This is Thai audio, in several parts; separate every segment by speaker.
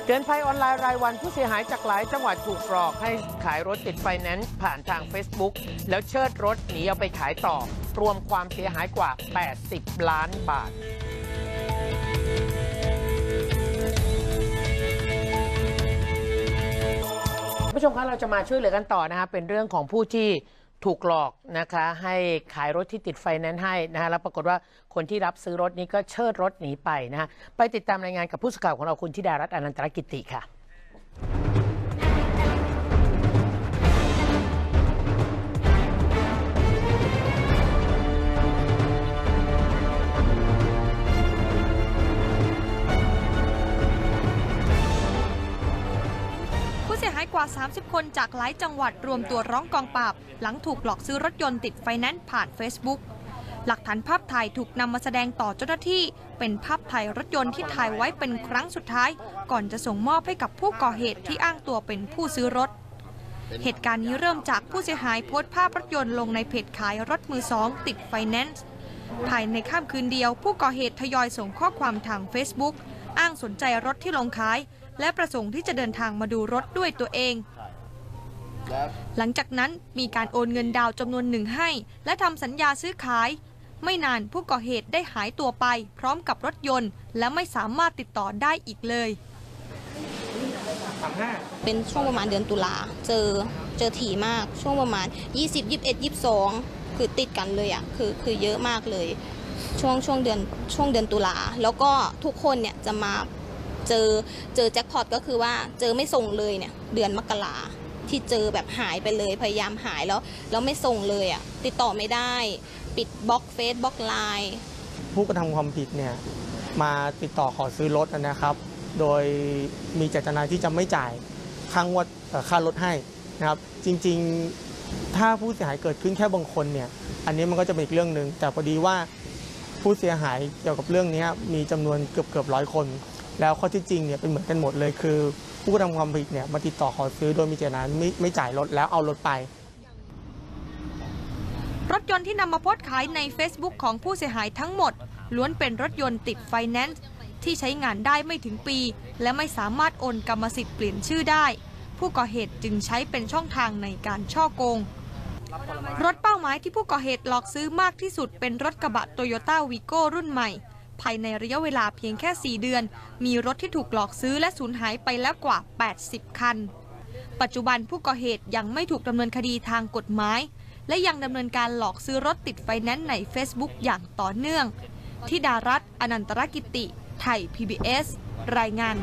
Speaker 1: เตือนภัยออนไลน์รายวันผู้เสียหายจากหลายจังหวัดถูกหลอกให้ขายรถติดไฟแนนซ์ผ่านทาง Facebook แล้วเชิดรถหนีเอาไปขายต่อรวมความเสียหายกว่า80 ล้านบาทผู้ชมคะเราจะมาช่วยเหลือกันต่อนะคะเป็นเรื่องของผู้ที่ถูกหลอกนะคะให้ขายรถที่ติดไฟแนนซ์ให้นะคะแล้วปรากฏว่าคนที่รับซื้อรถนี้ก็เชิดรถหนีไปนะคะไปติดตามรายงานกับผู้สื่อข่าวของเราคุณธิดารัตน์อนันตรกิติค่ะ
Speaker 2: ผู้เสียหายกว่า30คนจากหลายจังหวัดรวมตัวร้องกองปราบหลังถูกหลอกซื้อรถยนต์ติดไฟแนนซ์ผ่าน Facebook หลักฐานภาพถ่ายถูกนำมาแสดงต่อเจ้าหน้าที่เป็นภาพถ่ายรถยนต์ที่ถ่ายไว้เป็นครั้งสุดท้ายก่อนจะส่งมอบให้กับผู้ก่อเหตุที่อ้างตัวเป็นผู้ซื้อรถเหตุการณ์นี้เริ่มจากผู้เสียหายโพสต์ภาพรถยนต์ลงในเพจขายรถมือสองติดไฟแนนซ์ภายในค่ำคืนเดียวผู้ก่อเหตุทยอยส่งข้อความทาง Facebook อ้างสนใจรถที่ลงขายและประสงค์ที่จะเดินทางมาดูรถด้วยตัวเองหลังจากนั้นมีการโอนเงินดาวจำนวนหนึ่งให้และทำสัญญาซื้อขายไม่นานผู้ก่อเหตุได้หายตัวไปพร้อมกับรถยนต์และไม่สามารถติดต่อได้อีกเลย
Speaker 3: เป็นช่วงประมาณเดือนตุลาเจอถี่มากช่วงประมาณ20 21 22คือติดกันเลยอ่ะคือเยอะมากเลยช่วงเดือนตุลาแล้วก็ทุกคนเนี่ยจะมาเจอแจ็คพอตก็คือว่าเจอไม่ส่งเลยเนี่ยเดือนมกราที่เจอแบบหายไปเลยพยายามหายแล้วไม่ส่งเลยอ่ะติดต่อไม่ได้ปิดบล็อกเฟซบล็อกไลน์
Speaker 4: ผู้กระทำความผิดเนี่ยมาติดต่อขอซื้อรถนะครับโดยมีเจตนาที่จะไม่จ่ายค่ารถให้นะครับจริงๆถ้าผู้เสียหายเกิดขึ้นแค่บางคนเนี่ยอันนี้มันก็จะเป็นอีกเรื่องหนึ่งแต่พอดีว่าผู้เสียหายเกี่ยวกับเรื่องนี้มีจำนวนเกือบ100 คนแล้วข้อที่จริงเนี่ยเป็นเหมือนกันหมดเลยคือผู้กระทำความผิดเนี่ยมาติดต่อขอซื้อโดยมีเจตนาไม่จ่ายรถแล้วเอารถไป
Speaker 2: รถยนต์ที่นำมาโพสต์ขายใน Facebook ของผู้เสียหายทั้งหมดล้วนเป็นรถยนต์ติดไฟแนนซ์ที่ใช้งานได้ไม่ถึงปีและไม่สามารถโอนกรรมสิทธิ์เปลี่ยนชื่อได้ผู้ก่อเหตุจึงใช้เป็นช่องทางในการฉ้อโกงรถเป้าหมายที่ผู้ก่อเหตุหลอกซื้อมากที่สุดเป็นรถกระบะโตโยต้าวีโก้รุ่นใหม่ภายในระยะเวลาเพียงแค่4 เดือนมีรถที่ถูกหลอกซื้อและสูญหายไปแล้วกว่า80 คันปัจจุบันผู้ก่อเหตุยังไม่ถูกดำเนินคดีทางกฎหมายและยังดำเนินการหลอกซื้อรถติดไฟแนนซ์ใน Facebook อย่างต่อเนื่องธิดารัตน์อนันตรกิติไทย PBS รายงาน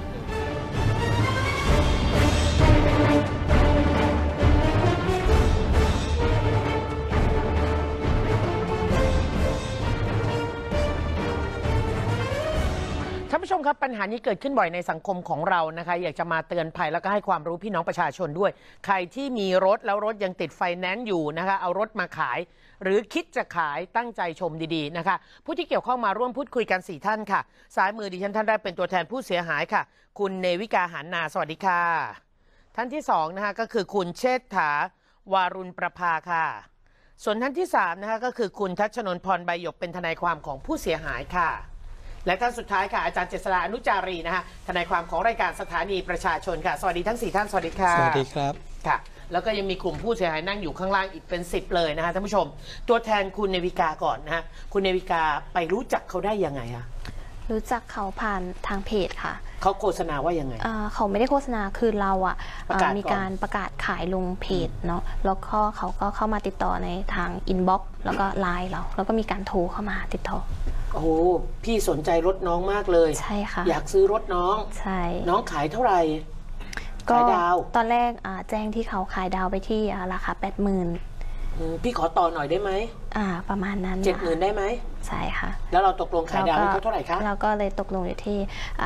Speaker 1: ท่านผู้ชมครับปัญหานี้เกิดขึ้นบ่อยในสังคมของเรานะคะอยากจะมาเตือนภัยแล้วก็ให้ความรู้พี่น้องประชาชนด้วยใครที่มีรถแล้วรถยังติดไฟแนนซ์อยู่นะคะเอารถมาขายหรือคิดจะขายตั้งใจชมดีๆนะคะผู้ที่เกี่ยวข้องมาร่วมพูดคุยกัน4 ท่านค่ะซ้ายมือดิฉันท่านแรกเป็นตัวแทนผู้เสียหายค่ะคุณเนวิกาหานาสวัสดีค่ะท่านที่2นะคะก็คือคุณเชษฐาวารุณประภาค่ะส่วนท่านที่3นะคะก็คือคุณทัชนนท์พรใบหยกเป็นทนายความของผู้เสียหายค่ะและท่านสุดท้ายค่ะอาจารย์เจษฎาอนุจารีนะคะทนายความของรายการสถานีประชาชนค่ะสวัสดีทั้ง4 ท่านสวัสดีค่ะ
Speaker 4: สวัสดีครับ
Speaker 1: ค่ะแล้วก็ยังมีกลุ่มผู้เสียหายนั่งอยู่ข้างล่างอีกเป็น10เลยนะคะท่านผู้ชมตัวแทนคุณเนวิกาก่อนนะฮะคุณเนวิกาไปรู้จักเขาได้ยังไงคะ
Speaker 5: รู้จักเขาผ่านทางเพจค่ะ
Speaker 1: เขาโฆษณาว่ายังไง
Speaker 5: เขาไม่ได้โฆษณาคือเรามีการประกาศขายลงเพจเนาะแล้วก็เขาก็เข้ามาติดต่อในทางอินบ็อกซ์แล้วก็ไลน์เราแล้วก็มีการโทรเข้ามาติดต่อ
Speaker 1: โอ้โหพี่สนใจรถน้องมากเลย
Speaker 5: ใช่ค่ะ
Speaker 1: อยากซื้อรถน้อง
Speaker 5: ใช่
Speaker 1: น้องขายเท่าไหร่
Speaker 5: ก็ตอนแรกแจ้งที่เขาขายดาวไปที่ราคา80,000
Speaker 1: พี่ขอต่อหน่อยได้ไหม
Speaker 5: ประมาณนั้น
Speaker 1: 70,000ได้ไหม
Speaker 5: ใช่ค่ะ
Speaker 1: แล้วเราตกลงขายดาวให้เขาเท่าไหร่คะ
Speaker 5: เราก็เลยตกลงอยู่ที่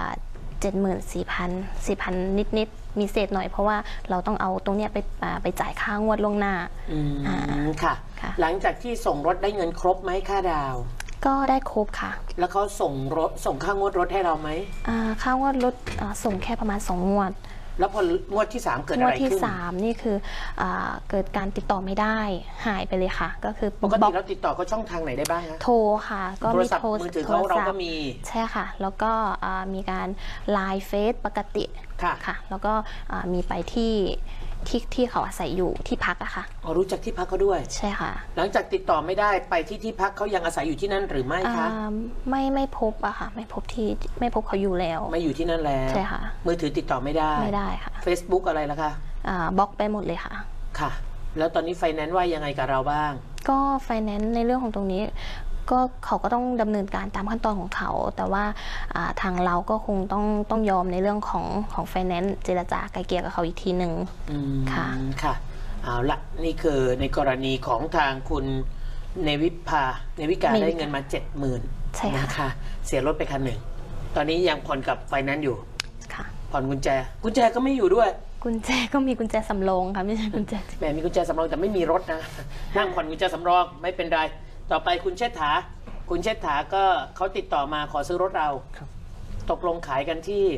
Speaker 5: 74,000 นิดๆมีเศษหน่อยเพราะว่าเราต้องเอาตรงเนี้ยไปจ่ายค่างวดล่วงหน้า
Speaker 1: ค่ะหลังจากที่ส่งรถได้เงินครบไหมค่าดาว
Speaker 5: ก็ได้ครบค่ะ
Speaker 1: แล้วเขาส่งค่างวดรถให้เราไหม
Speaker 5: ค่างวดรถส่งแค่ประมาณ2 งวด
Speaker 1: แล้วพองวดที่ 3 เกิด
Speaker 5: ง
Speaker 1: อะ
Speaker 5: วด
Speaker 1: ไร
Speaker 5: ที่
Speaker 1: ขึ้น
Speaker 5: 3นี่คือเกิดการติดต่อไม่ได้หายไปเลยค่ะ ก็คือ
Speaker 1: ปกติเราติดต่อเขาช่องทางไหนได้บ้างคะ
Speaker 5: โทรค่ะ ก็
Speaker 1: โทร
Speaker 5: มี
Speaker 1: ศัพท์
Speaker 5: โทร
Speaker 1: มือถือเขาเราก็มี
Speaker 5: ใช่ค่ะ แล้วก็มีการไลน์เฟซปกติ
Speaker 1: ค่ะ
Speaker 5: ค่ะ แล้วก็มีไปที่เขาอาศัยอยู่ที่พักอะค่ะ
Speaker 1: อ๋อรู้จักที่พักเขาด้วย
Speaker 5: ใช่ค่ะ
Speaker 1: หลังจากติดต่อไม่ได้ไปที่พักเขายังอาศัยอยู่ที่นั่นหรือไม่คะ
Speaker 5: ไม่พบอะค่ะ ไม่พบเขาอยู่แล้ว
Speaker 1: ไม่อยู่ที่นั่นแล้ว
Speaker 5: ใช่ค่ะ
Speaker 1: มือถือติดต่อไม่ได้
Speaker 5: ไม่ได้ค่ะ
Speaker 1: Facebook อะไรล่ะคะ
Speaker 5: บล็อกไปหมดเลยค่ะ
Speaker 1: ค่ะ แล้วตอนนี้ไฟแนนซ์ว่ายังไงกับเราบ้าง
Speaker 5: ก็ไฟแนนซ์ในเรื่องของตรงนี้ก็เขาก็ต้องดำเนินการตามขั้นตอนของเขา แต่ว่าทางเราก็คงต้องยอมในเรื่องของไฟแนนซ์เจรจาไกลเกลี่ยกับเขาอีกทีหนึ่งค่ะ
Speaker 1: ค่ะเอาละนี่คือในกรณีของทางคุณเนวิกาได้เงินมา 70,000
Speaker 5: ใช่ค่ะ
Speaker 1: นะคะเสียรถไปคันหนึ่งตอนนี้ยังผ่อนกับไฟแนนซ์อยู่
Speaker 5: ค่ะ
Speaker 1: ผ่อนกุญแจก็ไม่อยู่ด้วย
Speaker 5: กุญแจก็มีกุญแจสำรองค่ะไม่ใช่กุญแจ
Speaker 1: แหมมีกุญแจสำรองแต่ไม่มีรถนะ นั่งผ่อนกุญแจสำรองไม่เป็นไรต่อไปคุณเชษฐาก็เขาติดต่อมาขอซื้อรถเราตกลงขายกันที่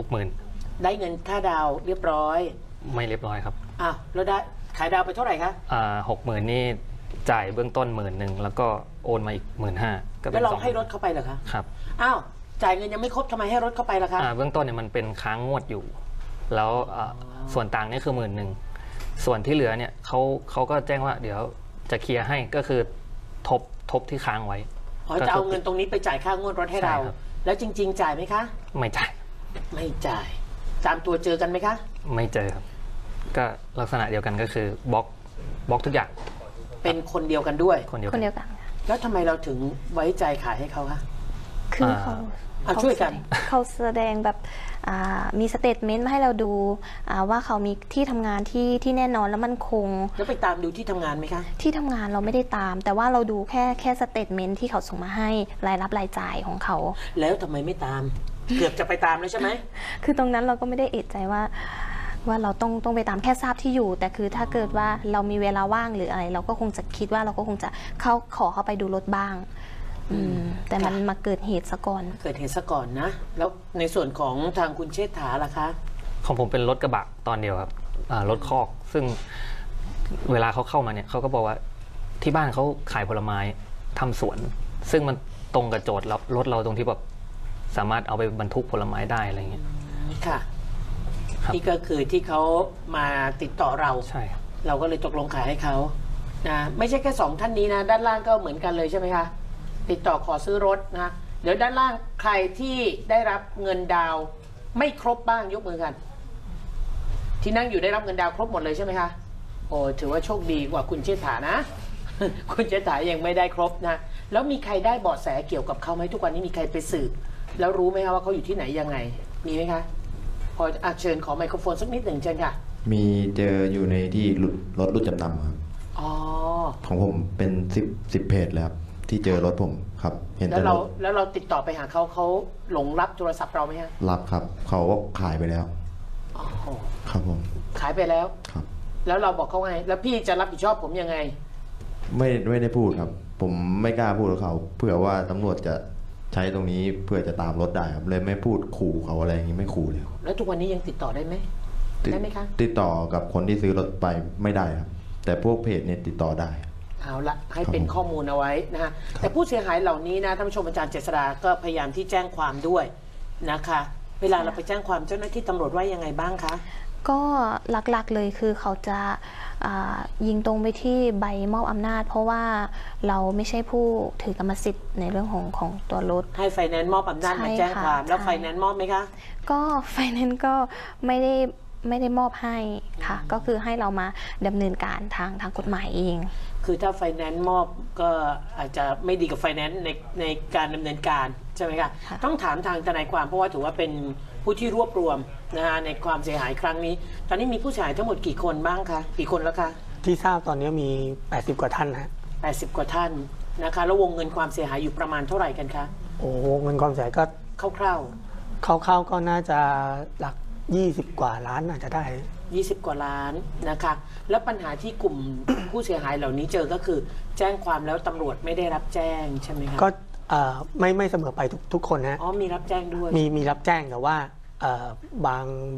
Speaker 6: 60,000
Speaker 1: ได้เงินค่าดาวเรียบร้อย
Speaker 6: ไม่เรียบร้อยครับ
Speaker 1: อ้าวแล้วได้ขายดาวไปเท่าไหร่คะ
Speaker 6: 60,000นี่จ่ายเบื้องต้น10,000แล้วก็โอนมาอีก15,000ก็เป็
Speaker 1: แล้ว
Speaker 6: น
Speaker 1: เรา
Speaker 6: 20,000
Speaker 1: ให้รถเข้าไปเหรอคะ
Speaker 6: ครับ
Speaker 1: อ้าวจ่ายเงินยังไม่ครบทำไมให้รถเข้าไปล่ะคะ
Speaker 6: เบื้องต้นเนี่ยมันเป็นค้างงวดอยู่ แล้วส่วนต่างนี่คือ10,000ส่วนที่เหลือเนี่ยเขาก็แจ้งว่าเดี๋ยวจะเคลียร์ให้ก็คือทบที่ค้างไว้
Speaker 1: อ๋อจะเอาเงินตรงนี้ไปจ่ายค่างวดรถให้เรา
Speaker 6: ใช่ครับ
Speaker 1: แล้วจริง ๆ จ่ายไหมคะ
Speaker 6: ไม่จ่าย
Speaker 1: ไม่จ่ายตามตัวเจอกันไหมคะ
Speaker 6: ไม่เจอครับ ก็ลักษณะเดียวกันก็คือบล็อกทุกอย่าง
Speaker 1: เป็นคนเดียวกันด้วย
Speaker 6: คนเดียว
Speaker 5: ค
Speaker 6: กัน น
Speaker 5: เดียวกันค่ะ
Speaker 1: แล้วทำไมเราถึงไว้ใจขายให้เขาคะ
Speaker 5: คือเขา
Speaker 1: ช่วยกัน
Speaker 5: เขาแสดงแบบมีสเตทเมนต์มาให้เราดูว่าเขามีที่ทำงานที่แน่นอนและมั่นคง
Speaker 1: แล้วไปตามดูที่ทำงานไหมคะ
Speaker 5: ที่ทำงานเราไม่ได้ตาม แต่ว่าเราดูแค่สเตทเมนต์ที่เขาส่งมาให้รายรับรายจ่ายของเขา
Speaker 1: แล้วทำไมไม่ตาม เกือบจะไปตามแล้วใช่ไหม
Speaker 5: คือตรงนั้นเราก็ไม่ได้เอะใจว่าเราต้องไปตามแค่ทราบที่อยู่ แต่คือถ้าเกิดว่าเรามีเวลาว่างหรืออะไร เราก็คงจะคิดว่าเราก็คงจะขอเข้าไปดูรถบ้างแต่มันมาเกิดเหตุซะก่อน
Speaker 1: เกิดเหตุซะก่อนนะ แล้วในส่วนของทางคุณเชษฐาล่ะคะ
Speaker 6: ของผมเป็นรถกระบะตอนเดียวครับรถคอก ซึ่งเวลาเขาเข้ามาเนี่ยเขาก็บอกว่าที่บ้านเขาขายผลไม้ทำสวน ซึ่งมันตรงกับโจทย์รถเราตรงที่แบบสามารถเอาไปบรรทุกผลไม้ได้อะไรเงี้ย
Speaker 1: ค่ะ
Speaker 6: ครับ
Speaker 1: นี่ก็คือที่เขามาติดต่อเรา
Speaker 6: ใช่ครับ
Speaker 1: เราก็เลยตกลงขายให้เขานะไม่ใช่แค่2ท่านนี้นะด้านล่างก็เหมือนกันเลยใช่ไหมคะติดต่อขอซื้อรถนะเดี๋ยวด้านล่างใครที่ได้รับเงินดาวน์ไม่ครบบ้างยกมือกัน ที่นั่งอยู่ได้รับเงินดาวน์ครบหมดเลยใช่ไหมคะโอ้ถือว่าโชคดีกว่าคุณเชษฐานะ คุณเชษฐายังไม่ได้ครบนะแล้วมีใครได้เบาะแสเกี่ยวกับเขาไหมทุกวันนี้มีใครไปสืบแล้วรู้ไหมคะว่าเขาอยู่ที่ไหนยังไง มีไหมคะพอเชิญขอไมโครโฟนสักนิดหนึ่งเชิญค่ะ
Speaker 7: มีเจออยู่ในที่รถรุ่นจำนำครับ
Speaker 1: อ๋อ
Speaker 7: ของผมเป็น10เพจเลยครับที่เจอรถผมครับ เห็น
Speaker 1: แล้ว
Speaker 7: แต่ร
Speaker 1: เรา
Speaker 7: ถ
Speaker 1: แล้วเราติดต่อไปหาเขาหลงรับโทรศัพท์เราไหมฮะ
Speaker 7: รับครับ เขาก็ขายไปแล้ว
Speaker 1: อ๋อ
Speaker 7: ครับผม
Speaker 1: ขายไปแล้ว
Speaker 7: ครับ
Speaker 1: แล้วเราบอกเขาไง แล้วพี่จะรับผิดชอบผมยังไง
Speaker 7: ไม่ได้พูดครับ ผมไม่กล้าพูดกับเขาเผื่อว่าตำรวจจะใช้ตรงนี้เพื่อจะตามรถได้ครับเลยไม่พูดขู่เขาอะไรอย่างนี้ไม่ขู่เลยครับ
Speaker 1: แล้วทุกวันนี้ยังติดต่อได้ไหม ได้ไหมคะ
Speaker 7: ติดต่อกับคนที่ซื้อรถไปไม่ได้ครับ แต่พวกเพจเนี่ยติดต่อได้
Speaker 1: เอาละให้เป็นข้อมูลเอาไว้นะฮะแต่ผู้เสียหายเหล่านี้นะท่านผู้ชมอาจารย์เจษฎาก็พยายามที่แจ้งความด้วยนะคะ เวลาเราไปแจ้งความเจ้าหน้าที่ตำรวจว่ายังไงบ้างคะ
Speaker 5: ก็หลักๆเลยคือเขาจะยิงตรงไปที่ใบมอบอำนาจ เพราะว่าเราไม่ใช่ผู้ถือกรรมสิทธิ์ในเรื่องของตัวรถ
Speaker 1: ให้ไฟแนนซ์มอบอำนาจมาแจ้งความแล้ว
Speaker 5: ใช่
Speaker 1: ไฟแนนซ์มอบไหมคะ
Speaker 5: ก็ไฟแนนซ์ก็ไม่ได้มอบให้ค่ะ ก็คือให้เรามาดำเนินการทางกฎหมายเอง
Speaker 1: คือถ้าไฟแนนซ์มอบก็อาจจะไม่ดีกับไฟแนนซ์ในการดำเนินการใช่ไหมคะ
Speaker 5: ค่ะ
Speaker 1: ต้องถามทางทนายความเพราะว่าถือว่าเป็นผู้ที่รวบรวมนะฮะในความเสียหายครั้งนี้ ตอนนี้มีผู้เสียหายทั้งหมดกี่คนบ้างคะกี่คนแล้วคะ
Speaker 4: ที่ทราบตอนนี้มี80กว่าท่านนะฮะ
Speaker 1: 80 กว่าท่านนะคะแล้ววงเงินความเสียหายอยู่ประมาณเท่าไหร่กันคะ
Speaker 4: โอ้เงินความเสียหายก็
Speaker 1: คร่าว
Speaker 4: เข้าๆก็น่าจะหลัก20กว่าล้านอาจจะได้
Speaker 1: ๆ20 กว่าล้านนะคะแล้วปัญหาที่กลุ่ม ผู้เสียหายเหล่านี้เจอก็คือแจ้งความแล้วตำรวจไม่ได้รับแจ้งใช่ไหมคะ
Speaker 4: ก็ไม่เสมอไปทุกคนนะ
Speaker 1: อ๋อมีรับแจ้งด้วย
Speaker 4: มีรับแจ้งแต่ว่าบาง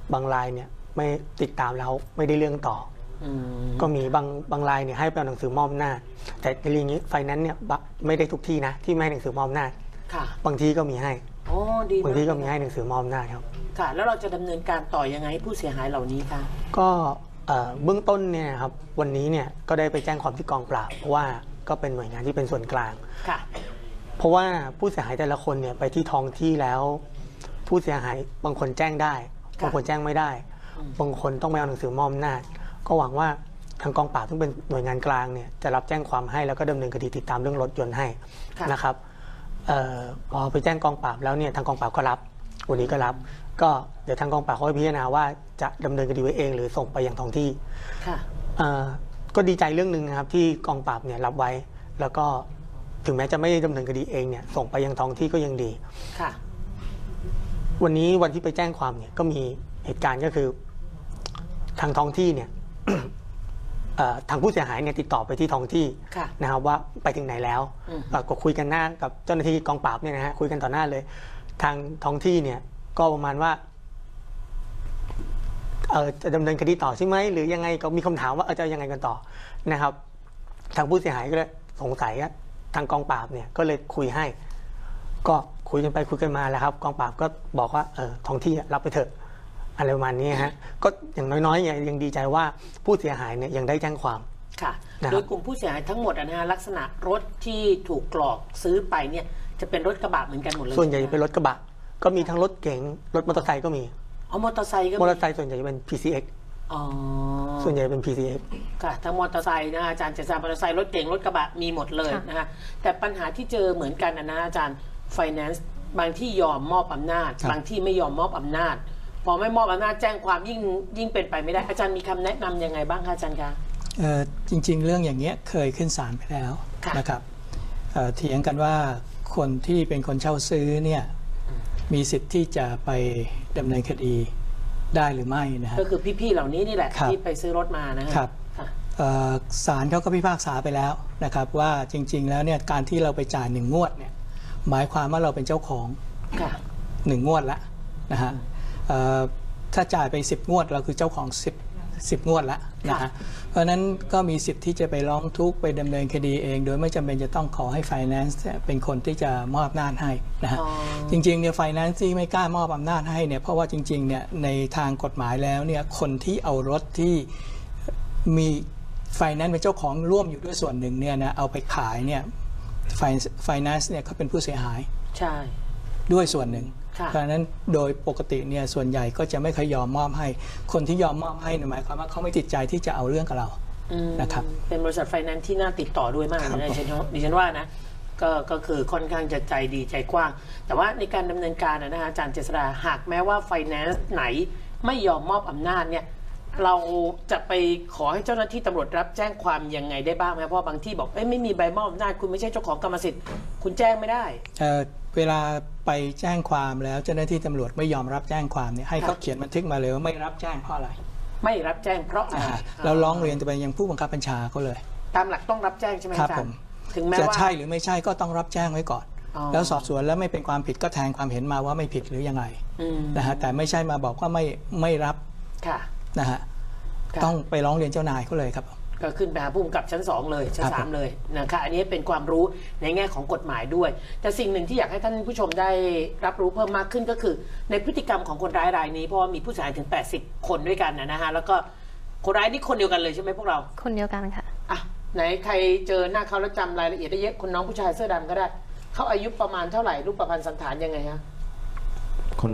Speaker 4: บางรายเนี่ยไม่ติดตามแล้วไม่ได้เรื่องต่อก็มีบางรายเนี่ยให้ไปเอาหนังสือมอบอำนาจแต่ในเรื่องนี้ไฟแนนซ์เนี่ยไม่ได้ทุกที่นะที่ไม่ให้หนังสือมอบอำนาจบางที่ก็มีให้บางที่ก็มีให้หนังสือมอบอำนาจครับ
Speaker 1: ค่ะแล้วเราจะดำเนินการต่อยังไงผู้เสียหายเหล่านี้คะ
Speaker 4: ก็เบื้องต้นเนี่ยครับวันนี้เนี่ยก็ได้ไปแจ้งความที่กองปราบเพราะว่าก็เป็นหน่วยงานที่เป็นส่วนกลาง
Speaker 1: ค่ะ
Speaker 4: เพราะว่าผู้เสียหายแต่ละคนเนี่ยไปที่ท้องที่แล้วผู้เสียหายบางคนแจ้งได้บางคนแจ้งไม่ได้บางคนต้องไปเอาหนังสือมอบอำนาจก็หวังว่าทางกองปราบซึ่งเป็นหน่วยงานกลางเนี่ยจะรับแจ้งความให้แล้วก็ดำเนินคดีติดตามเรื่องรถยนต์ให้นะครับพอไปแจ้งกองปราบแล้วเนี่ยทางกองปราบก็รับวันนี้ก็รับก็เดี๋ยวทางกองปราบเขาพิจารณาว่าจะดำเนินคดีไว้เองหรือส่งไปยังท้องที่ก็ดีใจเรื่องหนึ่งนะครับที่กองปราบเนี่ยรับไว้แล้วก็ถึงแม้จะไม่ดำเนินคดีเองเนี่ยส่งไปยังท้องที่ก็ยังดี
Speaker 1: ค่ะ
Speaker 4: วันนี้วันที่ไปแจ้งความเนี่ยก็มีเหตุการณ์ก็คือทางท้องที่เนี่ย ทางผู้เสียหายเนี่ยติดต่อไปที่ท้องที่นะครับว่าไปถึงไหนแล้วก็คุยกันหน้ากับเจ้าหน้าที่กองปราบเนี่ยนะฮะคุยกันต่อหน้าเลยทางท้องที่เนี่ยก็ประมาณว่าจะดำเนินคดีต่อใช่ไหมหรือยังไงก็มีคำถามว่าจะยังไงกันต่อนะครับทางผู้เสียหายก็เลยสงสัยทางกองปราบเนี่ยก็เลยคุยให้ก็คุยกันไปคุยกันมาแล้วครับกองปราบก็บอกว่าท้องที่รับไปเถอะอะไรประมาณนี้ฮะก็อย่างน้อยๆยังดีใจว่าผู้เสียหายเนี่ยยังได้แจ้งความ
Speaker 1: ค่ะโดยกลุ่มผู้เสียหายทั้งหมดนะฮะลักษณะรถที่ถูกกรอกซื้อไปเนี่ยจะเป็นรถกระบะเหมือนกันหมดเลย
Speaker 4: ส่วนใหญ่จะเป็นรถกระบะก็มีทั้งรถเก๋งรถมอเตอร์ไซค์ก็มี
Speaker 1: มอเตอร์ไซค์ก็
Speaker 4: มอเตอร์ไซค์ส่วนใหญ่จะเป็น PCX ส่วนใหญ่เป็น PCX
Speaker 1: ค่ะทั้งมอเตอร์ไซค์นะอาจารย์จะมอเตอร์ไซค์รถเก๋งรถกระบะมีหมดเลยนะฮะแต่ปัญหาที่เจอเหมือนกันนะอาจารย์ไฟแนนซ์บางที่ยอมมอบอำนาจบางที่ไม่ยอมมอบอำนาจพอไม่มอบอำนาจแจ้งความยิ่งเป็นไปไม่ได้อาจารย์มีคำแนะนำยังไงบ้างคะอาจารย์คะ
Speaker 8: จริงๆเรื่องอย่างเงี้ยเคยขึ้นศาลไปแล้วนะครับเถียงกันว่าคนที่เป็นคนเช่าซื้อเนี่ยมีสิทธิ์ที่จะไปดำเนินคดีได้หรือไม่นะฮะ
Speaker 1: ก็คือพี่ๆเหล่านี้นี่แหละที่ไปซื้อรถมานะครับ
Speaker 8: ศาลเขาก็พิพากษาไปแล้วนะครับว่าจริงๆแล้วเนี่ยการที่เราไปจ่าย1 งวดเนี่ยหมายความว่าเราเป็นเจ้าของ1 งวดละนะฮะถ้าจ่ายไป10 งวดเราคือเจ้าของ10 งวดละนะฮะเพราะฉะนั้นก็มีสิทธิ์ที่จะไปร้องทุกข์ไปดำเนินคดีเองโดยไม่จำเป็นจะต้องขอให้ Finance เป็นคนที่จะมอบอำนาจให้นะฮะจริงๆเนี่ย Finance ที่ไม่กล้ามอบอำนาจให้เนี่ยเพราะว่าจริงๆเนี่ยในทางกฎหมายแล้วเนี่ยคนที่เอารถที่มี Finance เป็นเจ้าของร่วมอยู่ด้วยส่วนหนึ่งเนี่ยนะเอาไปขายเนี่ยFinance เนี่ยเขาเป็นผู้เสียหาย
Speaker 1: ใช่
Speaker 8: ด้วยส่วนหนึ่งเพราะฉะนั้นโดยปกติเนี่ยส่วนใหญ่ก็จะไม่เคยยอมมอบให้คนที่ยอมมอบให้หมายความว่าเขาไม่ติดใจที่จะเอาเรื่องกับเรานะครับ
Speaker 1: เป็นบริษัทไฟแนนซ์ที่น่าติดต่อด้วยมากนะดิฉันว่านะก็คือค่อนข้างจะใจดีใจกว้างแต่ว่าในการดำเนินการนะฮะอาจารย์เจษฎาหากแม้ว่าไฟแนนซ์ไหนไม่ยอมมอบอำนาจเนี่ยเราจะไปขอให้เจ้าหน้าที่ตำรวจรับแจ้งความยังไงได้บ้างไหมเพราะบางที่บอกไม่มีใบมอบอำนาจคุณไม่ใช่เจ้าของกรรมสิทธิ์คุณแจ้งไม่ได้
Speaker 8: เวลาไปแจ้งความแล้วเจ้าหน้าที่ตำรวจไม่ยอมรับแจ้งความเนี่ยให้เขาเขียนบันทึกมาเลยว่าไม่รับแจ้งเพราะอะไร
Speaker 1: ไม่รับแจ้งเพราะอะไร
Speaker 8: เราร้องเรียนจะไปยังผู้บังคับบัญชาเขาเลย
Speaker 1: ตามหลักต้องรับแจ้งใช่ไหม
Speaker 8: ครับผม
Speaker 1: ถึงแม้ว่า
Speaker 8: จะใช่หรือไม่ใช่ก็ต้องรับแจ้งไว้ก่อนแล้วสอบสวนแล้วไม่เป็นความผิดก็แทงความเห็นมาว่าไม่ผิดหรือยังไงนะฮะแต่ไม่ใช่มาบอกว่าไม่รับนะฮะต้องไปร้องเรียนเจ้านายเขาเลยครับ
Speaker 1: ก็ขึ้นไปหาผู้กำกับชั้น2เลยชั้น3เลยนะคะอันนี้เป็นความรู้ในแง่ของกฎหมายด้วยแต่สิ่งหนึ่งที่อยากให้ท่านผู้ชมได้รับรู้เพิ่มมากขึ้นก็คือในพฤติกรรมของคนร้ายรายนี้เพราะว่ามีผู้เสียหายถึง80 คนด้วยกันนะฮะแล้วก็คนร้ายนี่คนเดียวกันเลยใช่ไหมพวกเรา
Speaker 5: คนเดียวกันค่ะ
Speaker 1: ไหนใครเจอหน้าเขาแล้วจำรายละเอียดได้เยอะคนน้องผู้ชายเสื้อดำก็ได้เขาอายุประมาณเท่าไหร่รูปประพันธ์สันฐานยังไงฮะ
Speaker 7: คน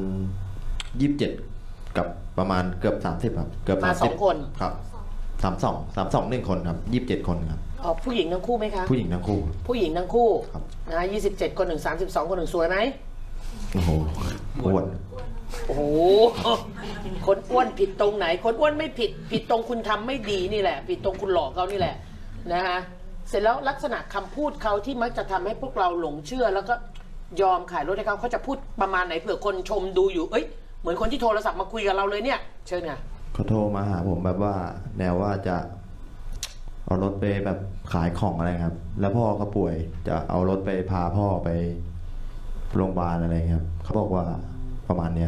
Speaker 7: 27กับประมาณเกือบ30ครับเกือบ
Speaker 1: 30มา2 คน
Speaker 7: ครับ32 1 คนครับ27 คนครับ
Speaker 1: ผู้หญิงทั้งคู่ไหมคะ
Speaker 7: ผู้หญิงทั้งคู่
Speaker 1: ผู้หญิงทั้งคู่นะ27 คน1 32 คน1สวยไหม
Speaker 7: โอ้โหอ้วน
Speaker 1: โอ้โหคนอ้วนผิดตรงไหนคนอ้วนไม่ผิดตรงคุณทำไม่ดีนี่แหละผิดตรงคุณหลอกเขานี่แหละนะฮะเสร็จแล้วลักษณะคำพูดเขาที่มักจะทำให้พวกเราหลงเชื่อแล้วก็ยอมขายรถให้เขาจะพูดประมาณไหนเผื่อคนชมดูอยู่เหมือนคนที่โทรศัพท์มาคุยกับเราเลยเนี่ยเชิญค่ะ
Speaker 7: เขาโทรมาหาผมแบบว่าแนวว่าจะเอารถไปแบบขายของอะไรครับแล้วพ่อเขาป่วยจะเอารถไปพาพ่อไปโรงพยาบาลอะไรครับเขาบอกว่าประมาณนี้ครับ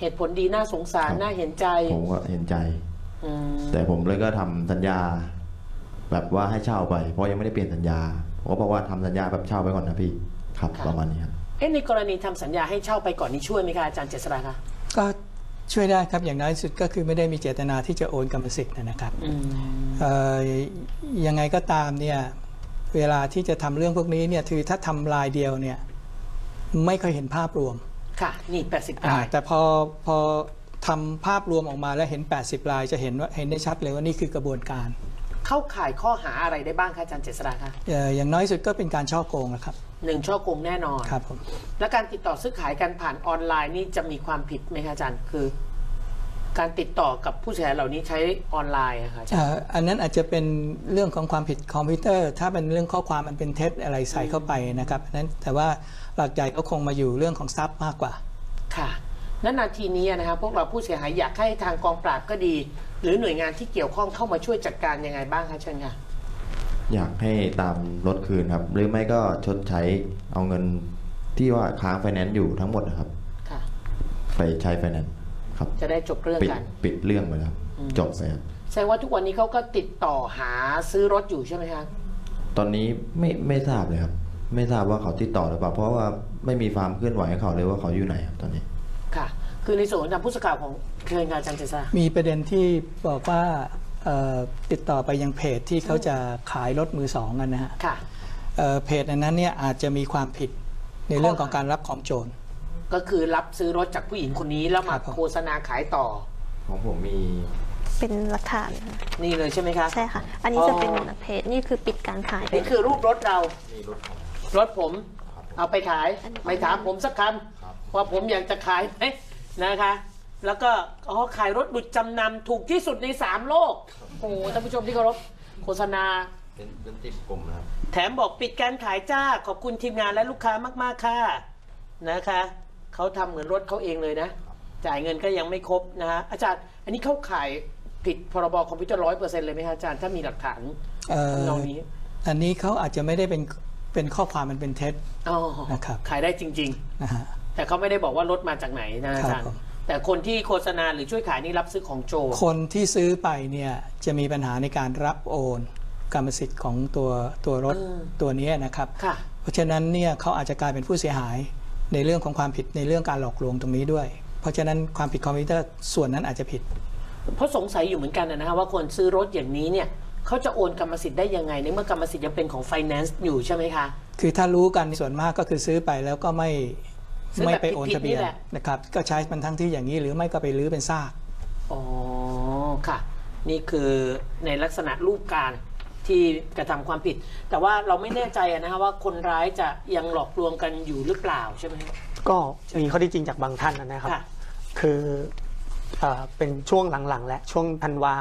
Speaker 1: เหตุผลดีน่าสงสาร
Speaker 7: ครับ
Speaker 1: น่าเห็นใจ
Speaker 7: ผมก็เห็นใจ
Speaker 1: อืม
Speaker 7: แต่ผมเลยก็ทำสัญญา แบบว่าให้เช่าไป เพราะยังไม่ได้เปลี่ยนสัญญาผมก็บอกว่าทำสัญญาแบบเช่าไปก่อนนะพี่ครับประมาณนี้ครับ
Speaker 1: ในกรณีทำสัญญาให้เช่าไปก่อนนี้ช่วยไหมคะอาจารย์เจษฎาคะ
Speaker 8: ก็ช่วยได้ครับอย่างน้อยสุดก็คือไม่ได้มีเจตนาที่จะโอนกรรมสิทธิ์นะครับ
Speaker 1: อืม
Speaker 8: ยังไงก็ตามเนี่ยเวลาที่จะทำเรื่องพวกนี้เนี่ยคือถ้าทำรายเดียวเนี่ยไม่ค่อยเห็นภาพรวม
Speaker 1: ค่ะ นี่80ราย
Speaker 8: แต่พอทำภาพรวมออกมาแล้วเห็น80รายจะเห็นได้ชัดเลยว่านี่คือกระบวนการ
Speaker 1: เข้าข่ายข้อหาอะไรได้บ้างคะอาจารย์เจษฎาคะ
Speaker 8: อย่างน้อยสุดก็เป็นการฉ้อโกงนะครับ
Speaker 1: 1ช่อโกงแน่นอน
Speaker 8: ครับผม
Speaker 1: และการติดต่อซื้อขายกันผ่านออนไลน์นี่จะมีความผิดไหมคะอาจารย์คือ การติดต่อกับผู้เสียหายเหล่านี้ใช้ออนไลน์อะค่ะอาจารย์
Speaker 8: อันนั้นอาจจะเป็นเรื่องของความผิดคอมพิวเตอร์ ถ้าเป็นเรื่องข้อความมันเป็นเท็จอะไรใส่เข้าไปนะครับนั้นแต่ว่าหลักใหญ่ก็คงมาอยู่เรื่องของทรัพย์มากกว่า
Speaker 1: ค่ะณนาทีนี้นะครับพวกเราผู้เสียหายอยากให้ทางกองปราบก็ดี หรือหน่วยงานที่เกี่ยวข้องเข้ามาช่วยจัดการยังไงบ้างคะเชิญค่ะ
Speaker 7: อยากให้ตามรถคืนครับ หรือไม่ก็ชดใช้เอาเงินที่ว่าค้างไฟแนนซ์อยู่ทั้งหมดนะครับ
Speaker 1: ค่ะ
Speaker 7: ไปใช้ไฟแนนซ์ครับ
Speaker 1: จะได้จบเรื่อง
Speaker 7: ปิด
Speaker 1: กัน
Speaker 7: ปิดเรื่องไปแล้ว
Speaker 1: อืม
Speaker 7: จบไปครับ
Speaker 1: แสดงว่าทุกวันนี้เขาก็ติดต่อหาซื้อรถอยู่ใช่ไหมคะ
Speaker 7: ตอนนี้ไม่ทราบเลยครับ ไม่ทราบว่าเขาติดต่อหรือเปล่าเพราะว่าไม่มีความเคลื่อนไหวของเขาเลยว่าเขาอยู่ไหนครับตอนนี้
Speaker 1: ค่ะ คือในส่วนของทางผู้สื่อข่าวของเคยงานอาจารย์เจษฎา
Speaker 8: มีประเด็นที่บอกว่าติดต่อไปยังเพจที่เขาจะขายรถมือสองกันนะฮะ
Speaker 1: ค่ะ
Speaker 8: เพจอันนั้นเนี่ยอาจจะมีความผิดในเรื่องของการรับของโจร
Speaker 1: ก็คือรับซื้อรถจากผู้หญิงคนนี้แล้วมา
Speaker 8: ครับผม
Speaker 1: โฆษณาขายต่อ
Speaker 7: ของผมมี
Speaker 5: เป็นหลักฐาน
Speaker 1: นี่เลยใช่ไหมคะ
Speaker 5: ใช่ค่ะ อันนี้จะเป็นเพจนี่คือปิดการขายไป
Speaker 1: นี่คือรูปรถเรา
Speaker 7: มีรถของ
Speaker 1: รถผมเอาไปขาย ไม่ถามผมสักคำว่าผมอยากจะขายไหมนะคะ แล้วก็ขายรถหลุดจำนำถูกที่สุดใน3โลกโอ้โหท่านผู้ชมที่เคารพโฆษณา
Speaker 7: เป็นติดกลุ่มนะครับ
Speaker 1: แถมบอกปิดการขายจ้าขอบคุณทีมงานและลูกค้ามากๆค่ะนะคะเขาทำเหมือนรถเขาเองเลยนะ จ่ายเงินก็ยังไม่ครบนะฮะอาจารย์อันนี้เข้าข่ายผิดพรบคอมพิวเตอร์100%เลยไหมคะอาจารย์ถ้ามีหลักฐานทำนองนี้
Speaker 8: อันนี้เขาอาจจะไม่ได้เป็นข้อความมันเป็นเท็จ
Speaker 1: อ๋อ
Speaker 8: นะครับ
Speaker 1: ขายได้จริง
Speaker 8: นะฮะ
Speaker 1: ๆ แต่เขาไม่ได้บอกว่ารถมาจากไหนนะอาจารย์
Speaker 8: ครับผม
Speaker 1: แต่คนที่โฆษณาหรือช่วยขายนี่รับซื้อของโจร
Speaker 8: คนที่ซื้อไปเนี่ยจะมีปัญหาในการรับโอนกรรมสิทธิ์ของตัวรถตัวนี้นะครับ
Speaker 1: ค่ะ
Speaker 8: เพราะฉะนั้นเนี่ยเขาอาจจะกลายเป็นผู้เสียหายในเรื่องของความผิดในเรื่องการหลอกลวงตรงนี้ด้วย เพราะฉะนั้นความผิดคอมพิวเตอร์ส่วนนั้นอาจจะผิด
Speaker 1: เพราะสงสัยอยู่เหมือนกันนะฮะว่าคนซื้อรถอย่างนี้เนี่ยเขาจะโอนกรรมสิทธิ์ได้ยังไงในเมื่อกรรมสิทธิ์ยังเป็นของไฟแนนซ์อยู่ใช่ไหมคะ
Speaker 8: คือถ้ารู้กันส่วนมากก็คือซื้อไปแล้วก็ไม่
Speaker 1: ซื้อแบบ
Speaker 8: ไปโอนทะเบียน
Speaker 1: ผิดๆนี่แหละ
Speaker 8: นะครับก็ใช้มันทั้งที่อย่างนี้หรือไม่ก็ไปรื้อเป็นซาก
Speaker 1: อ๋อค่ะ นี่คือในลักษณะรูปการที่กระทำความผิด แต่ว่าเราไม่แน่ใจนะคะว่าคนร้ายจะยังหลอกลวงกันอยู่หรือเปล่าใช่ไหม
Speaker 4: ก็มีข้อที่จริงจากบางท่านนะครับ
Speaker 1: ค่ะ
Speaker 4: คือเป็นช่วงหลังๆ และช่วงธันวา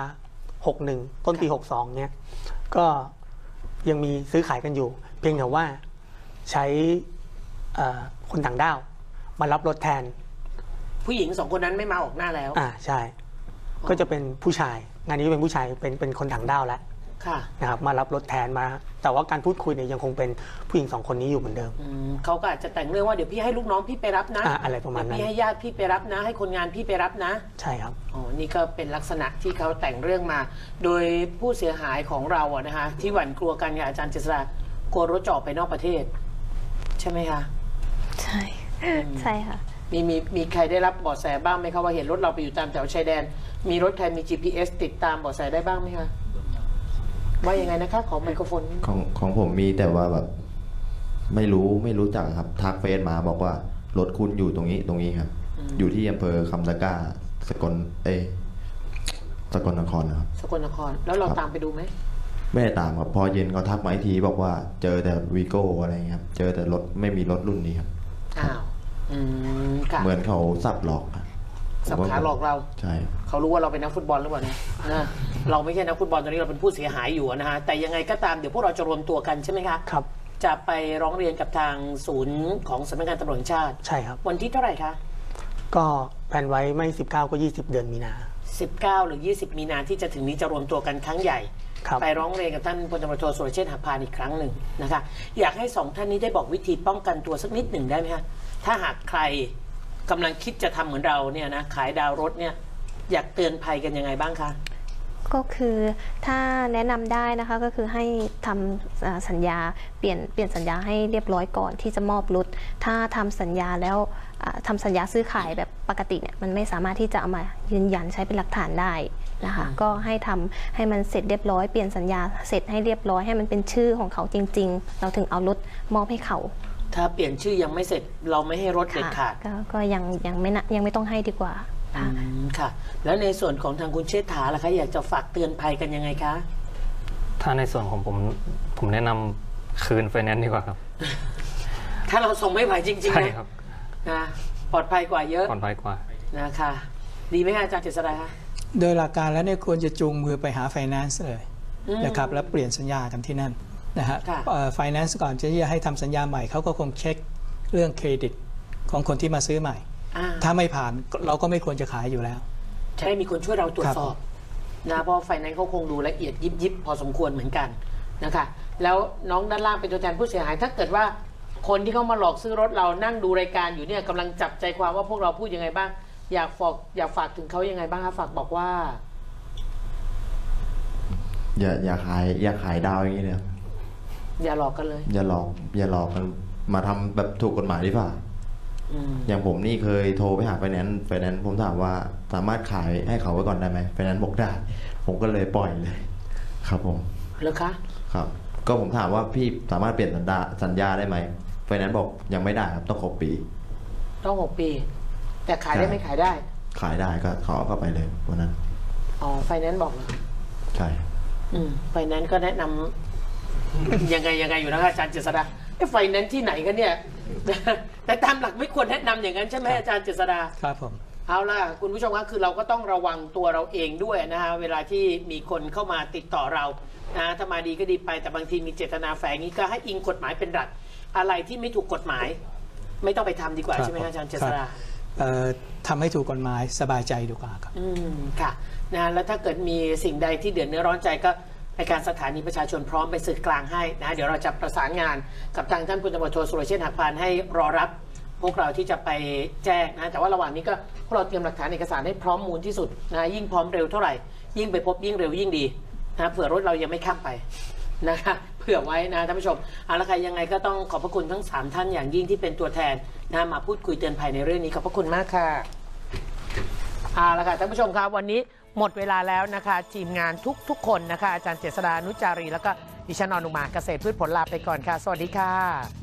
Speaker 4: 61 ต้นปี 62 เนี่ยก็ยังมีซื้อขายกันอยู่ เพียงแต่ว่าใช้คนต่างด้าวมารับรถแทน
Speaker 1: ผู้หญิง2คนนั้นไม่มาออกหน้าแล้ว
Speaker 4: ใช่ ก็จะเป็นผู้ชาย งานนี้เป็นผู้ชายเป็นคนต่างด้าวแล้ว
Speaker 1: ค่ะ
Speaker 4: นะครับมารับรถแทนมา แต่ว่าการพูดคุยเนี่ยยังคงเป็นผู้หญิง2คนนี้อยู่เหมือนเดิม
Speaker 1: เขาก็อาจจะแต่งเรื่องว่าเดี๋ยวพี่ให้ลูกน้องพี่ไปรับนะ
Speaker 4: อะไรประมาณนั้น
Speaker 1: เดี๋ยวพี่ให้ญาติพี่ไปรับนะ ให้คนงานพี่ไปรับนะ
Speaker 4: ใช่ครับ
Speaker 1: อ๋อ นี่ก็เป็นลักษณะที่เขาแต่งเรื่องมา โดยผู้เสียหายของเราอะนะคะที่หวั่นกลัวกันกับอาจารย์เจษฎากลัวรถจะออกไปนอกประเทศ ใช่ไหมคะ
Speaker 5: ใช่ ใช่ค่ะ
Speaker 1: มีใครได้รับเบาะแสบ้างไหมคะว่าเห็นรถเราไปอยู่ตามแถวชายแดน มีรถใครมี GPS ติดตามเบาะแสได้บ้างไหมคะว่ายังไงนะคะขอไมโครโฟน
Speaker 7: ของผมมีแต่ว่าแบบไม่รู้จักครับทักเฟซมาบอกว่ารถคุณอยู่ตรงนี้ครับ อยู่ที่อำเภอคำตะกร้าสกลนครนะครับ
Speaker 1: สกลนครแล้วเรา
Speaker 7: ครับ
Speaker 1: ตามไปดูไหม
Speaker 7: ไม่ได้ตามครับพอเย็นเขาทักมาอีกทีบอกว่าเจอแต่วีโก้อะไรเงี้ยครับเจอแต่รถไม่มีรถรุ่นนี้ครับ
Speaker 1: อ้าวค่ะ
Speaker 7: เหมือนเขาสับหลอกครับ
Speaker 1: สับขาหลอกเรา
Speaker 7: ใช่
Speaker 1: เขารู้ว่าเราเป็นนักฟุตบอลหรือเปล่าเนี่ยนะเราไม่ใช่นักฟุตบอลตอนนี้เราเป็นผู้เสียหายอยู่นะฮะแต่ยังไงก็ตามเดี๋ยวพวกเราจะรวมตัวกันใช่ไหมคะ
Speaker 4: ครับ
Speaker 1: จะไปร้องเรียนกับทางศูนย์ของสำนักงานตำรวจแห่งชาติ
Speaker 4: ใช่ครับ
Speaker 1: วันที่เท่าไหร่คะ
Speaker 4: ก็แผนไว้ไม่19ก็20 เดือนมีนา
Speaker 1: 19 หรือ 20 มีนาที่จะถึงนี้จะรวมตัวกันครั้งใหญ่
Speaker 4: ครับ
Speaker 1: ไปร้องเรียนกับท่านพลตำรวจโทสุรเชษฐ์หักพานอีกครั้งหนึ่งนะคะอยากให้2ท่านนี้ได้บอกวิธีป้องกันตัวสักนิดหนึ่งได้ไหมคะถ้าหากใครกำลังคิดจะทำเหมือนเราเนี่ยนะขายดาวรถเนี่ยอยากเตือนภัยกันยังไงบ้างคะ
Speaker 5: ก็คือถ้าแนะนำได้นะคะก็คือให้ทำสัญญาเปลี่ยนสัญญาให้เรียบร้อยก่อนที่จะมอบรถถ้าทำสัญญาแล้วทำสัญญาซื้อขายแบบปกติเนี่ยมันไม่สามารถที่จะเอามายืนยันใช้เป็นหลักฐานได้นะคะก็ให้ทำให้มันเสร็จเรียบร้อยเปลี่ยนสัญญาเสร็จให้เรียบร้อยให้มันเป็นชื่อของเขาจริงๆเราถึงเอารถมอบให้เขา
Speaker 1: ถ้าเปลี่ยนชื่อยังไม่เสร็จเราไม่ให้รถเด็ดขาด
Speaker 5: ก็ยังไม่ต้องให้ดีกว่า
Speaker 1: ค่ะแล้วในส่วนของทางคุณเชษฐาล่ะคะอยากจะฝากเตือนภัยกันยังไงคะ
Speaker 6: ถ้าในส่วนของผมแนะนำคืนไฟแนนซ์ดีกว่าครับ
Speaker 1: ถ้าเราส่งไม่ไหวจริงๆ
Speaker 6: ใช่ครับ
Speaker 1: นะปลอดภัยกว่าเยอะ
Speaker 6: ปลอดภัยกว่า
Speaker 1: นะคะดีไหมคะอาจารย์เจษฎาคะ
Speaker 8: โดยหลักการแล้วเนี่ยควรจะจูงมือไปหาไฟแนนซ์เลยนะครับแล้วเปลี่ยนสัญญากันที่นั่นนะฮะไฟแนนซ์ก่อนจะให้ทำสัญญาใหม่เขาก็คงเช็คเรื่องเครดิตของคนที่มาซื้อใหม่ถ้าไม่ผ่านเราก็ไม่ควรจะขายอยู่แล้ว
Speaker 1: ใช่มีคนช่วยเราตรวจสอบนะเพราะไฟแนนซ์เขาคงดูละเอียดยิบพอสมควรเหมือนกันนะคะแล้วน้องด้านล่างเป็นตัวแทนผู้เสียหายถ้าเกิดว่าคนที่เขามาหลอกซื้อรถเรานั่งดูรายการอยู่เนี่ยกำลังจับใจความว่าพวกเราพูดยังไงบ้างอยากฝากถึงเขายังไงบ้างคะฝากบอกว่า
Speaker 7: อย่าขายดาวอย่างนี้เลย
Speaker 1: อย่าหลอกกันเลย
Speaker 7: อย่าหลอกกันมาทำแบบถูกกฎหมายดีกว่าอย่างผมนี่เคยโทรไปหาไฟแนนซ์ผมถามว่าสามารถขายให้เขาไว้ก่อนได้ไหมไฟแนนซ์บอกได้ผมก็เลยปล่อยเลยครับผม
Speaker 1: แล้วคะ
Speaker 7: ครับก็ผมถามว่าพี่สามารถเปลี่ยนสัญญาได้ไหมไฟแนนซ์บอกยังไม่ได้ครับต้อง6 ปี
Speaker 1: ต้อง6 ปีแต่ขายได้ไม่ขายได้
Speaker 7: ขายได้ก็ขอเข้าไปเลยวันนั้น
Speaker 1: อ๋อไฟแนนซ์บอกเหรอ
Speaker 7: ใช่
Speaker 1: ไฟแนนซ์ก็แนะนำยังไงอยู่นะคะอาจารย์เจษฎาไฟแนนซ์ที่ไหนกันเนี่ยแต่ตามหลักไม่ควรแนะนำอย่างนั้นใช่ไหมอาจารย์เจษฎา
Speaker 8: ครับผม
Speaker 1: เอาล่ะคุณผู้ชมครับคือเราก็ต้องระวังตัวเราเองด้วยนะฮะเวลาที่มีคนเข้ามาติดต่อเรานะถ้ามาดีก็ดีไปแต่บางทีมีเจตนาแฝงนี้ก็ให้อิงกฎหมายเป็นหลักอะไรที่ไม่ถูกกฎหมายไม่ต้องไปทำดีกว่าใช่ไหมอาจารย์เจษฎา
Speaker 8: ทำให้ถูกกฎหมายสบายใจดีกว่าครับ
Speaker 1: ค่ะนะแล้วถ้าเกิดมีสิ่งใดที่เดือดเนื้อร้อนใจก็ในการสถานีประชาชนพร้อมไปสื่อกลางให้นะเดี๋ยวเราจะประสานงานกับทางท่านพลตำรวจโทสุรเชษฐ์หักพานให้รอรับพวกเราที่จะไปแจ้งนะแต่ว่าระหว่างนี้ก็พวกเราเตรียมหลักฐานเอกสารให้พร้อมมูลที่สุดนะยิ่งพร้อมเร็วเท่าไหร่ยิ่งไปพบยิ่งเร็วยิ่งดีนะเผื่อรถเรายังไม่ข้ามไปนะคะเผื่อไว้นะท่านผู้ชมเอาละค่ะยังไงก็ต้องขอบพระคุณทั้ง3ท่านอย่างยิ่งที่เป็นตัวแทนนะมาพูดคุยเตือนภัยในเรื่องนี้ขอบพระคุณมากค่ะเอาละค่ะท่านผู้ชมครับวันนี้หมดเวลาแล้วนะคะทีมงานทุกคนนะคะอาจารย์เจษฎานุจารีแล้วก็ดิฉันอนุมาเกษตรพืชผลลาไปก่อนค่ะสวัสดีค่ะ